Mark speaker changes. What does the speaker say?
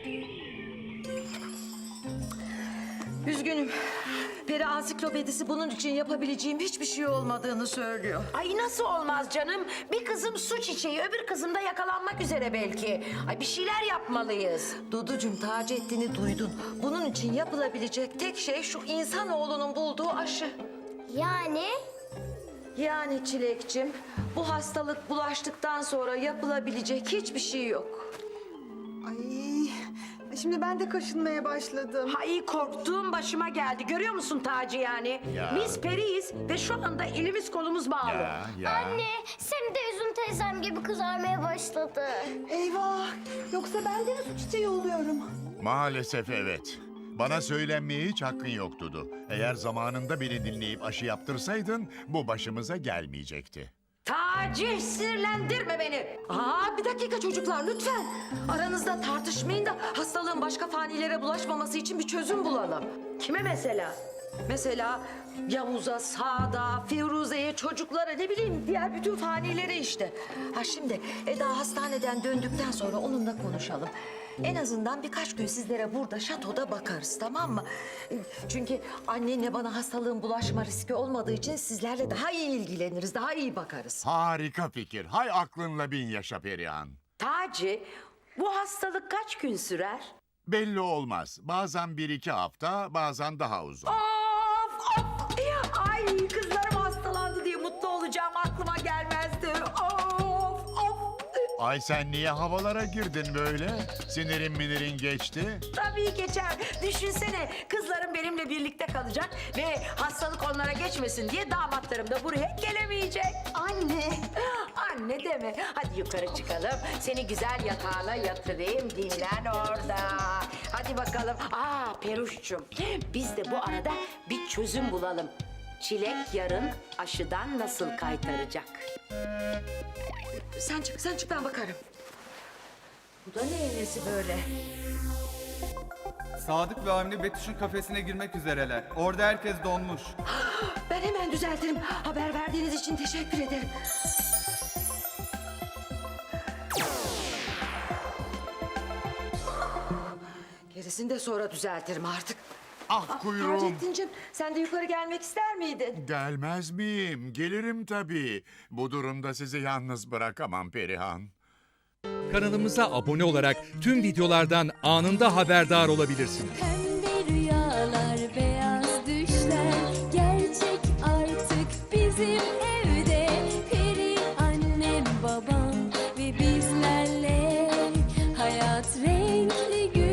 Speaker 1: Üzgünüm. Peri ansiklopedisi bunun için yapabileceğim hiçbir şey olmadığını söylüyor.
Speaker 2: Ay nasıl olmaz canım? Bir kızım su çiçeği, öbür kızım da yakalanmak üzere belki. Ay bir şeyler yapmalıyız.
Speaker 1: Duducuğum, Taceddin'i duydun. Bunun için yapılabilecek tek şey şu insanoğlunun bulduğu aşı. Yani Çilekçim, bu hastalık bulaştıktan sonra yapılabilecek hiçbir şey yok.
Speaker 3: Ay, şimdi ben de kaşınmaya başladım.
Speaker 2: Ay korktuğum başıma geldi. Görüyor musun Taci yani?
Speaker 4: Ya.
Speaker 2: Biz periyiz ve şu anda elimiz kolumuz bağlı.
Speaker 5: Anne, Semih de Üzüm teyzem gibi kızarmaya başladı.
Speaker 3: Eyvah, yoksa ben de mi su çiçeği oluyorum?
Speaker 4: Maalesef evet. Bana söylenmeye hiç hakkın yok Dudu. Eğer zamanında beni dinleyip aşı yaptırsaydın bu başımıza gelmeyecekti.
Speaker 2: Taci sinirlendirme beni.
Speaker 1: Bir dakika çocuklar, lütfen. Aranızda tartışmayın da hastalığın başka fanilere bulaşmaması için bir çözüm bulalım.
Speaker 2: Kime mesela?
Speaker 1: Mesela Yavuz'a, Sa'da, Firuze'ye, çocuklara, ne bileyim diğer bütün fanilere işte. Şimdi Eda hastaneden döndükten sonra onunla konuşalım. En azından birkaç gün sizlere burada şatoda bakarız, tamam mı? Çünkü annenle bana hastalığın bulaşma riski olmadığı için sizlerle daha iyi ilgileniriz, daha iyi bakarız.
Speaker 4: Harika fikir. Hay aklınla bin yaşa Perihan.
Speaker 2: Taci, bu hastalık kaç gün sürer?
Speaker 4: Belli olmaz. Bazen 1-2 hafta, bazen daha uzun.
Speaker 2: Of of! Ay kızlarım hastalandı diye mutlu olacağım aklıma gelmezdi. Of of!
Speaker 4: Ay sen niye havalara girdin böyle? Sinirin minirin geçti.
Speaker 2: Tabii geçer. Düşünsene kızlarım benimle birlikte kalacak ve hastalık onlara geçmesin diye damatlarım da buraya gelemeyecek.
Speaker 3: Anne.
Speaker 2: Anne deme. Hadi yukarı çıkalım. Seni güzel yatağına yatırayım. Dinlen orada. Hadi bakalım. Peruş'cum. Biz de bu arada bir çözüm bulalım. Çilek yarın aşıdan nasıl kaytaracak?
Speaker 1: Sen çık ben bakarım. Bu da ne nesi böyle?
Speaker 6: Sadık ve Avni Betüş'ün kafesine girmek üzereler. Orada herkes donmuş.
Speaker 1: Ben hemen düzeltirim. Haber verdiğiniz için teşekkür ederim. Gerisini de sonra düzeltirim artık.
Speaker 4: Ah kuyruğum.
Speaker 1: Taceddin'cim, sen de yukarı gelmek ister miydin?
Speaker 4: Gelmez miyim? Gelirim tabii. Bu durumda sizi yalnız bırakamam Perihan.
Speaker 7: Kanalımıza abone olarak tüm videolardan anında haberdar olabilirsiniz.
Speaker 8: Pembe rüyalar, beyaz düşler gerçek artık bizim evde. Peri annem, babam ve bizlerle hayat renkli gün.